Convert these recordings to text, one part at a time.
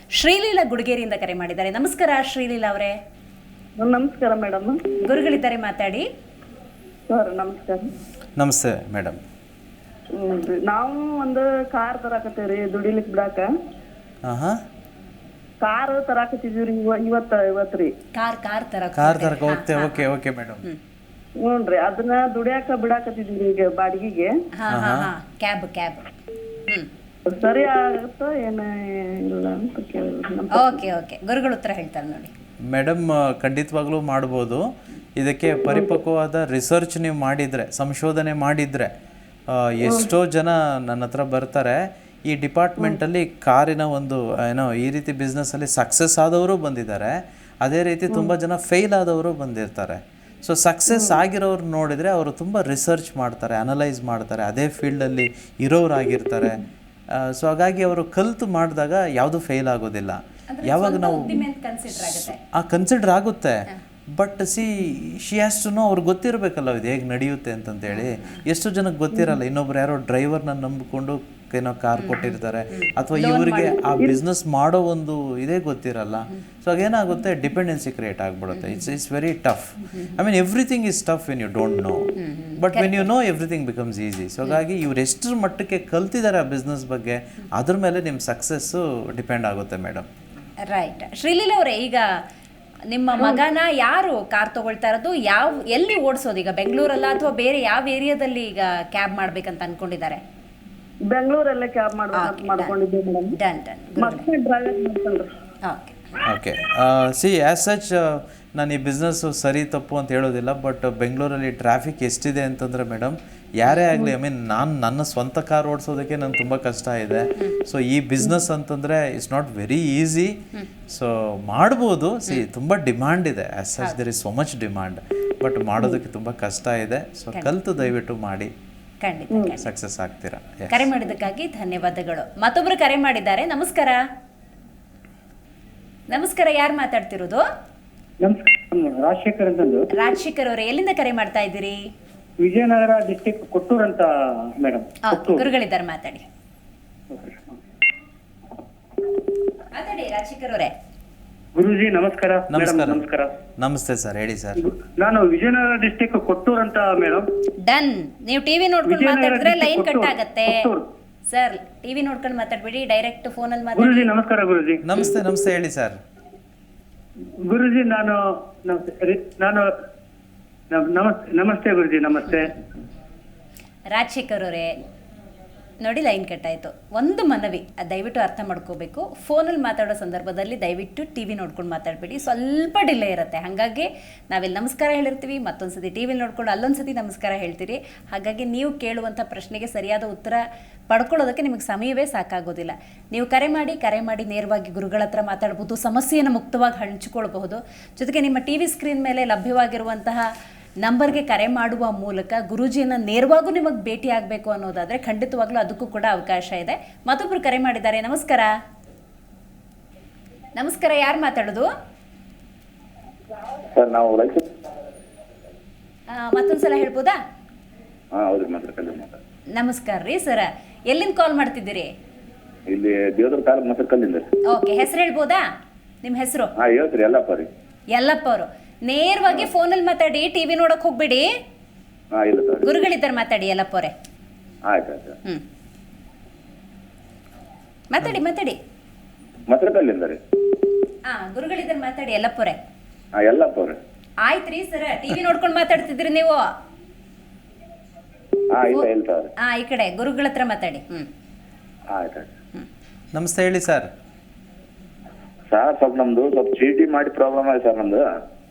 ಶ್ರೀಲೀಲಾ ಗುಡಿಗೇರಿಯಿಂದ ಕರೆ ಮಾಡಿದ್ದಾರೆ. ನಮಸ್ಕಾರ ಶ್ರೀಲೀಲಾ ಅವರೇ. ನಮಸ್ಕಾರ ಮೇಡಮ್. ಗುರುಗಳಿದ್ದಾರೆ, ಮಾತಾಡಿ. ಸರ್ ನಮಸ್ಕಾರ. ನಮಸ್ತೆ ಮೇಡಮ್. ನಾವು ಒಂದು ಕಾರ್ ತರಾಕತ್ತೀವ್ರಿ ದುಡಿಲಿಕ್ ಬಿಡಾಕ. ಕಾರ್ ತರಾಕತ್ತಿದೀವ್ರಿ ಇವತ್ತ್ರಿ. ಕಾರ್ ತರಕ ಹೋಗ್ತೇವೆ. Okay okay madam. ಹ್ಞೂನ್ರಿ, ಅದನ್ನ ದುಡಿಯಾಕ ಬಿಡಾಕತ್ತಿದೀವ್ರಿ ಈಗ ಬಾಡಿಗೆಗೆ. ಕ್ಯಾಬ್. ಸರಿ ಆಗುತ್ತೋ ಏನ ಇಲ್ಲ ಅಂತ ಕೇಳಿದ್ರಿ. ಓಕೆ ಗುರುಗಳು ಉತ್ತರ ಹೇಳ್ತಾರೆ ನೋಡಿ. ಮೇಡಮ್, ಖಂಡಿತವಾಗ್ಲೂ ಮಾಡ್ಬೋದು. ಇದಕ್ಕೆ ಪರಿಪಕ್ವವಾದ ರಿಸರ್ಚ್ ನೀವು ಮಾಡಿದರೆ, ಸಂಶೋಧನೆ ಮಾಡಿದರೆ, ಎಷ್ಟೋ ಜನ ನನ್ನ ಹತ್ರ ಬರ್ತಾರೆ. ಈ ಡಿಪಾರ್ಟ್ಮೆಂಟಲ್ಲಿ ಕಾರಿನ ಒಂದು ಈ ರೀತಿ ಬಿಸ್ನೆಸ್ಸಲ್ಲಿ ಸಕ್ಸಸ್ ಆದವರು ಬಂದಿದ್ದಾರೆ. ಅದೇ ರೀತಿ ತುಂಬ ಜನ ಫೇಲ್ ಆದವರು ಬಂದಿರ್ತಾರೆ. ಸೊ ಸಕ್ಸಸ್ ಆಗಿರೋರು ನೋಡಿದರೆ ಅವರು ತುಂಬ ರಿಸರ್ಚ್ ಮಾಡ್ತಾರೆ, ಅನಲೈಸ್ ಮಾಡ್ತಾರೆ, ಅದೇ ಫೀಲ್ಡಲ್ಲಿ ಇರೋರಾಗಿರ್ತಾರೆ. ಸೊ ಹಾಗಾಗಿ ಅವರು ಕಲಿತು ಮಾಡಿದಾಗ ಯಾವುದು ಫೇಲ್ ಆಗೋದಿಲ್ಲ. ಯಾವಾಗ ನಾವು ಕನ್ಸಿಡರ್ ಆಗುತ್ತೆ, but she has to know, ಅವ್ರಿಗೆ ಗೊತ್ತಿರಬೇಕಲ್ಲ ಇದು ಹೇಗೆ ನಡೆಯುತ್ತೆ ಅಂತಂತೇಳಿ. ಎಷ್ಟು ಜನಕ್ಕೆ ಗೊತ್ತಿರಲ್ಲ. ಇನ್ನೊಬ್ರು ಯಾರೋ ಡ್ರೈವರ್ನ ನಂಬಿಕೊಂಡು ಏನೋ ಕಾರ್ ಕೊಟ್ಟಿರ್ತಾರೆ, ಅಥವಾ ಇವರಿಗೆ ಆ ಬಿಸ್ನೆಸ್ ಮಾಡೋ ಒಂದು ಇದೇ ಗೊತ್ತಿರಲ್ಲ. ಸೊ ಆಗೇನಾಗುತ್ತೆ, ಡಿಪೆಂಡೆನ್ಸಿ ಕ್ರಿಯೇಟ್ ಆಗಿಬಿಡುತ್ತೆ. It's very tough. I mean everything is tough when you don't know, but when you know everything becomes easy. So ಹಾಗಾಗಿ ಇವ್ರು ಎಷ್ಟರ ಮಟ್ಟಕ್ಕೆ ಕಲ್ತಿದ್ದಾರೆ ಆ ಬಿಸ್ನೆಸ್ ಬಗ್ಗೆ, ಅದ್ರ ಮೇಲೆ ನಿಮ್ಮ ಸಕ್ಸಸ್ಸು ಡಿಪೆಂಡ್ ಆಗುತ್ತೆ ಮೇಡಮ್. ರೈಟ್. ಶ್ರೀಲೀಲಾ ಅವರೇ, ಈಗ ನಿಮ್ಮ ಮಗನ ಯಾರು ಕಾರ್ ತಗೊಳ್ತಾ ಇರೋದು, ಎಲ್ಲಿ ಓಡಿಸೋದು ಈಗ, ಬೆಂಗಳೂರಲ್ಲ ಅಥವಾ ಬೇರೆ ಯಾವ ಏರಿಯಾದಲ್ಲಿ ಈಗ ಕ್ಯಾಬ್ ಮಾಡ್ಬೇಕಂತ ಅನ್ಕೊಂಡಿದ್ದಾರೆ? ಬೆಂಗಳೂರಲ್ಲೇ ಕ್ಯಾಬ್ ಮಾಡ್ಕೊಂಡಿದ್ದೀವಿ ಮೇಡಮ್. ಡನ್. ಮತ್ತೆ ಡ್ರೈವರ್ ಮಾಡ್ಕೊಂಡ್ರಿ. ಓಕೆ. ಸಿ ಆ್ಯಸ್ ಸಚ್ ನಾನು ಈ ಬಿಸ್ನೆಸ್ಸು ಸರಿ ತಪ್ಪು ಅಂತ ಹೇಳೋದಿಲ್ಲ, ಬಟ್ ಬೆಂಗಳೂರಲ್ಲಿ ಟ್ರಾಫಿಕ್ ಎಷ್ಟಿದೆ ಅಂತಂದರೆ ಮೇಡಮ್, ಯಾರೇ ಆಗಲಿ, ಐ ಮೀನ್ ನನ್ನ ಸ್ವಂತ ಕಾರ್ ಓಡಿಸೋದಕ್ಕೆ ನನಗೆ ತುಂಬ ಕಷ್ಟ ಇದೆ. ಸೊ ಈ ಬಿಸ್ನೆಸ್ ಅಂತಂದರೆ it's not very easy. So ಮಾಡ್ಬೋದು. ತುಂಬ ಡಿಮ್ಯಾಂಡ್ ಇದೆ. As such there is so much demand, but ಮಾಡೋದಕ್ಕೆ ತುಂಬ ಕಷ್ಟ ಇದೆ. ಸೊ ಕಲಿತು ದಯವಿಟ್ಟು ಮಾಡಿ, ಖಂಡಿತ ಸಕ್ಸಸ್ ಆಗ್ತೀರಾ. ಕರೆ ಮಾಡಿದ್ದಕ್ಕಾಗಿ ಧನ್ಯವಾದಗಳು. ಮತ್ತೊಬ್ರು ಕರೆ ಮಾಡಿದ್ದಾರೆ. ನಮಸ್ಕಾರ. ಯಾರು ಮಾತಾಡ್ತಿರೋದು? ರಾಜಶೇಖರ್ ಅಂತಂದು. ರಾಜಶೇಖರ್ ಅವರೇ, ಎಲ್ಲಿಂದ ಕರೆ ಮಾಡ್ತಾ ಇದ್ದೀರಿ? ವಿಜಯನಗರ ಡಿಸ್ಟಿಕ್ ಕೊಟ್ಟೂರು ಅಂತ ಮೇಡಮ್. ಗುರುಗಳಿದ್ದಾರೆ, ಮಾತಾಡಿ ರಾಜಶೇಖರ್ ಅವರೇ. ಗುರುಜಿ ನಮಸ್ಕಾರ. ನಮಸ್ಕಾರ. ನಮಸ್ತೆ ಸರ್, ಹೇಳಿ ಸರ್. ನಾನು ವಿಜಯನಗರ ಡಿಸ್ಟಿಕ್ ಕೊಟ್ಟೂರು ಅಂತ ಮೇಡಮ್. ಡನ್. ನೀವು ಟಿವಿ ನೋಡ್ಕೊಂಡು ಮಾತಾಡಿದ್ರೆ ಲೈನ್ ಕಟ್ ಆಗತ್ತೆ ಸರ್. ಟಿವಿ ನೋಡ್ಕೊಂಡು ಮಾತಾಡ್ಬೇಡಿ, ಡೈರೆಕ್ಟ್ ಫೋನ್ ಅಲ್ಲಿ ಮಾತಾಡಿ. ಗುರುಜಿ ನಮಸ್ಕಾರ. ಗುರುಜಿ ನಮಸ್ತೆ ಹೇಳಿ ಸರ್. ಗುರುಜಿ ನಮಸ್ತೆ ಗುರುಜಿ. ನಮಸ್ತೆ ರಾಜಶೇಖರ್ ಅವರೇ, ನೋಡಿ ಲೈನ್ ಕಟ್ ಆಯಿತು. ಒಂದು ಮನವಿ, ದಯವಿಟ್ಟು ಅರ್ಥ ಮಾಡ್ಕೋಬೇಕು. ಫೋನಲ್ಲಿ ಮಾತಾಡೋ ಸಂದರ್ಭದಲ್ಲಿ ದಯವಿಟ್ಟು ಟಿ ವಿ ನೋಡ್ಕೊಂಡು ಮಾತಾಡಬೇಡಿ, ಸ್ವಲ್ಪ ಡಿಲೇ ಇರುತ್ತೆ. ಹಾಗಾಗಿ ನಾವಿಲ್ಲಿ ನಮಸ್ಕಾರ ಹೇಳಿರ್ತೀವಿ, ಮತ್ತೊಂದು ಸತಿ ಟಿ ವಿಲಿ ನೋಡ್ಕೊಂಡು ಅಲ್ಲೊಂದು ಸತಿ ನಮಸ್ಕಾರ ಹೇಳ್ತೀರಿ. ಹಾಗಾಗಿ ನೀವು ಕೇಳುವಂಥ ಪ್ರಶ್ನೆಗೆ ಸರಿಯಾದ ಉತ್ತರ ಪಡ್ಕೊಳ್ಳೋದಕ್ಕೆ ನಿಮಗೆ ಸಮಯವೇ ಸಾಕಾಗೋದಿಲ್ಲ. ನೀವು ಕರೆ ಮಾಡಿ ನೇರವಾಗಿ ಗುರುಗಳ ಹತ್ರ ಮಾತಾಡ್ಬೋದು, ಸಮಸ್ಯೆಯನ್ನು ಮುಕ್ತವಾಗಿ ಹಂಚಿಕೊಳ್ಬಹುದು. ಜೊತೆಗೆ ನಿಮ್ಮ ಟಿ ವಿ ಸ್ಕ್ರೀನ್ ಮೇಲೆ ಲಭ್ಯವಾಗಿರುವಂತಹ ನಂಬರ್ಗೆ ಕರೆ ಮಾಡುವ ಮೂಲಕ ಗುರೂಜಿಯನ್ನು ನೇರವಾಗೂ ನಿಮಗೆ ಭೇಟಿ ಆಗಬೇಕು ಅನ್ನೋದಾದರೆ ಖಂಡಿತವಾಗ್ಲೂ ಅದಕ್ಕೂ ಕೂಡ ಅವಕಾಶ ಇದೆ. ಮತ್ತೊಬ್ಬರು ಕರೆ ಮಾಡಿದ್ದಾರೆ. ನಮಸ್ಕಾರ. ಯಾರು ಮಾತಾಡೋದು? ಮತ್ತೊಂದ್ಸಲ ಹೇಳ್ಬೋದಾ? ನಮಸ್ಕಾರ ರೀ ಸರ್, ಎಲ್ಲಿಂದ ಕಾಲ್ ಮಾಡ್ತಿದ್ದೀರಿ? ಓಕೆ, ಹೆಸರು ಹೇಳ್ಬೋದಾ? ನಿಮ್ಮ ಹೆಸರು? ಯಲ್ಲಪ್ಪ ಅವರು. ನೇರವಾಗಿ ಫೋನಲ್ಲಿ ಮಾತಾಡಿ, ಟಿವಿ ನೋಡಕ್ ಹೋಗ್ಬೇಡಿ. ಗುರುಗಳಿದ್ದಾರೆ, ಮಾತಾಡಿ ಯಲ್ಲಪ್ಪ ಅವರೇ. ಮಾತಾಡಿ. ಗುರುಗಳಿದ್ದಾರೆ, ಮಾತಾಡಿ ಯಲ್ಲಪ್ಪ ಅವರೇ. ಆಯ್ತ್ರಿ ಸರ್, ಟಿವಿ ನೋಡ್ಕೊಂಡು ಮಾತಾಡ್ತಿದ್ರಿ ನೀವು. ಈ ಕಡೆ ಗುರುಗಳ ಹತ್ರ ಮಾತಾಡಿ. ನಮಸ್ತೆ, ಹೇಳಿ ಸರ್. ಸ್ವಲ್ಪ ನಮ್ದು ಚೀಟಿ ಮಾಡಿ ಪ್ರಾಬ್ಲಮ್ ಆಗಿದೆ ಸರ್. ನಮ್ದು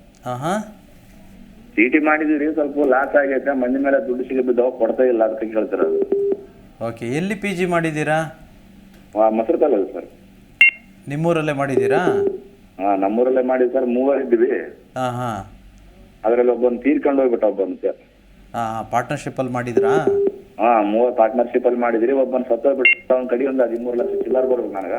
ಚೀಟಿ ಮಾಡಿದಿರಿ, ಸ್ವಲ್ಪ ಲಾಸ್ ಆಗೈತೆ. ಮಂದಿ ಮೇಲೆ ದುಡ್ಡು ಸಿಗಬಿದ್ದಾವ, ಕೊಡ್ತಾ ಇಲ್ಲ, ಅದಕ್ಕೆ ಕೇಳ್ತಾರ. ಓಕೆ, ಎಲ್ಲಿ ಪಿ ಜಿ ಮಾಡಿದ್ದೀರಾ? ಮೊಸರುಕಲ್ಲ ಸರ್. ನಿಮ್ಮೂರಲ್ಲೇ ಮಾಡಿದ್ದೀರಾ? ನಮ್ಮೂರಲ್ಲೇ ಮಾಡಿದ್ವಿ ಸರ್. 3 ಇದ್ವಿ. ಅದ್ರಲ್ಲಿ ಒಬ್ಬನ್ ತೀರ್ಕೊಂಡು ಹೋಗ್ಬಿಟ್ಟ. ಪಾರ್ಟ್ನರ್ಶಿಪ್ ಅಲ್ಲಿ ಮಾಡಿದ್ರಾ? 3 ಪಾರ್ಟ್ನರ್ಶಿಪ್ ಅಲ್ಲಿ ಮಾಡಿದ್ರಿ. ಒಬ್ಬನ್ ಸತ್ತೋಗ್ಬಿಟ್ಟು ಅವ್ನ ಕಡೆ ಒಂದು 13 ಲಕ್ಷ ಚಿಲ್ಲರ್ ಬರ್ಬೇಕು ನನಗ.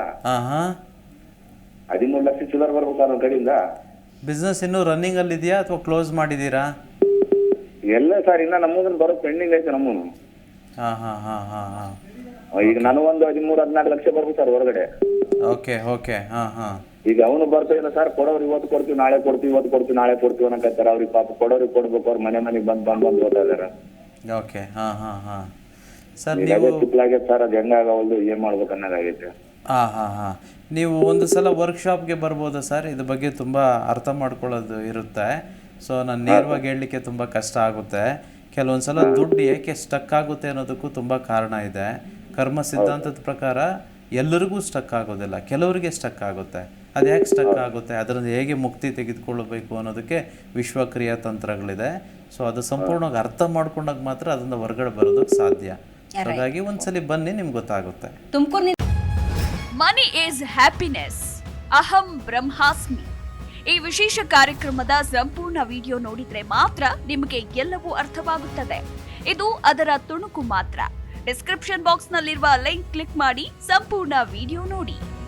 13 ಲಕ್ಷ ಚಿಲ್ಲರ್ ಬರ್ಬೇಕು ಸರ್ ಅವ್ನ ಕಡೆಯಿಂದ. ಬಿಸ್ನೆಸ್ ಇನ್ನೂ ರನ್ನಿಂಗ್ ಅಲ್ಲಿ ಇದೆಯಾ ಅಥವಾ ಕ್ಲೋಸ್ ಮಾಡಿದ್ದೀರಾ? ಎಲ್ಲ ಸರ್, ಇನ್ನ ನಮ್ಮದನ್ನ ಬರೋ ಪೆಂಡಿಂಗ್ ಐತೆ ನಮ್ಮನು. ಈಗ ನನಗೊಂದು 13-14 ಲಕ್ಷ ಬರ್ಬೇಕು ಸರ್ ಹೊರಗಡೆ. ಓಕೆ ಓಕೆ ಹಾಂ ಹಾಂ ಈಗ ಅವನು ಬರ್ತಾ ಇಲ್ಲ ಸರ್, ಕೊಡೋರು ಇವತ್ತು ಕೊಡ್ತೀವಿ ನಾಳೆ ಕೊಡ್ತೀವಿ, ಇವತ್ತು ಕೊಡ್ತೀವಿ ನಾಳೆ ಕೊಡ್ತೀವಿ ಅನ್ನಕತ್ತಾರ. ಅವ್ರಿಗೆ ಪಾಪ ಕೊಡೋರಿಗೆ ಕೊಡ್ಬೇಕು, ಅವ್ರ ಮನೆಗೆ ಬಂದು ಓದ್ತಾ ಇದಾರೆ. ಓಕೆ ಹಾಂ ಹಾಂ ಹಾಂ ಸರ್ ಈಗ ನೀವು ಅದೇ ತಿಪ್ಪಲಾಗೈತೆ ಸರ್, ಅದು ಹೆಂಗಾಗವಲ್ದು, ಏನ್ ಮಾಡ್ಬೇಕು ಅನ್ನೋದಾಗೈತೆ. ಹಾಂ ಹಾಂ ಹಾಂ ನೀವು ಒಂದು ಸಲ ವರ್ಕ್ಶಾಪ್ಗೆ ಬರ್ಬೋದಾ ಸರ್? ಇದ್ರ ಬಗ್ಗೆ ತುಂಬ ಅರ್ಥ ಮಾಡ್ಕೊಳ್ಳೋದು ಇರುತ್ತೆ. ಸೊ ನಾನು ನೇರವಾಗಿ ಹೇಳಲಿಕ್ಕೆ ತುಂಬ ಕಷ್ಟ ಆಗುತ್ತೆ. ಕೆಲವೊಂದು ಸಲ ದುಡ್ಡು ಏಕೆ ಸ್ಟಕ್ ಆಗುತ್ತೆ ಅನ್ನೋದಕ್ಕೂ ತುಂಬ ಕಾರಣ ಇದೆ. ಕರ್ಮ ಸಿದ್ಧಾಂತದ ಪ್ರಕಾರ ಎಲ್ಲರಿಗೂ ಸ್ಟಕ್ ಆಗೋದಿಲ್ಲ, ಕೆಲವರಿಗೆ ಸ್ಟಕ್ ಆಗುತ್ತೆ. ಅದು ಯಾಕೆ ಸ್ಟಕ್ ಆಗುತ್ತೆ, ಅದರಿಂದ ಹೇಗೆ ಮುಕ್ತಿ ತೆಗೆದುಕೊಳ್ಳಬೇಕು ಅನ್ನೋದಕ್ಕೆ ವಿಶ್ವಕ್ರಿಯಾ ತಂತ್ರಗಳಿದೆ. ಸೊ ಅದು ಸಂಪೂರ್ಣವಾಗಿ ಅರ್ಥ ಮಾಡ್ಕೊಂಡಾಗ ಮಾತ್ರ ಅದರಿಂದ ಹೊರಗಡೆ ಬರೋದಕ್ಕೆ ಸಾಧ್ಯ. ಹಾಗಾಗಿ ಒಂದ್ಸಲಿ ಬನ್ನಿ, ನಿಮ್ಗೆ ಗೊತ್ತಾಗುತ್ತೆ. ತುಮಕೂರಿನ ಮನಿ ಈಸ್ ಹ್ಯಾಪಿನೆಸ್, ಅಹಂ ಬ್ರಹ್ಮಾಸ್ಮಿ. ಈ ವಿಶೇಷ ಕಾರ್ಯಕ್ರಮದ ಸಂಪೂರ್ಣ ವಿಡಿಯೋ ನೋಡಿದ್ರೆ ಮಾತ್ರ ನಿಮಗೆ ಎಲ್ಲವೂ ಅರ್ಥವಾಗುತ್ತದೆ. ಇದು ಅದರ ತುಣುಕು ಮಾತ್ರ. ಡಿಸ್ಕ್ರಿಪ್ಷನ್ ಬಾಕ್ಸ್ ನಲ್ಲಿರುವ ಲಿಂಕ್ ಕ್ಲಿಕ್ ಮಾಡಿ ಸಂಪೂರ್ಣ ವಿಡಿಯೋ ನೋಡಿ.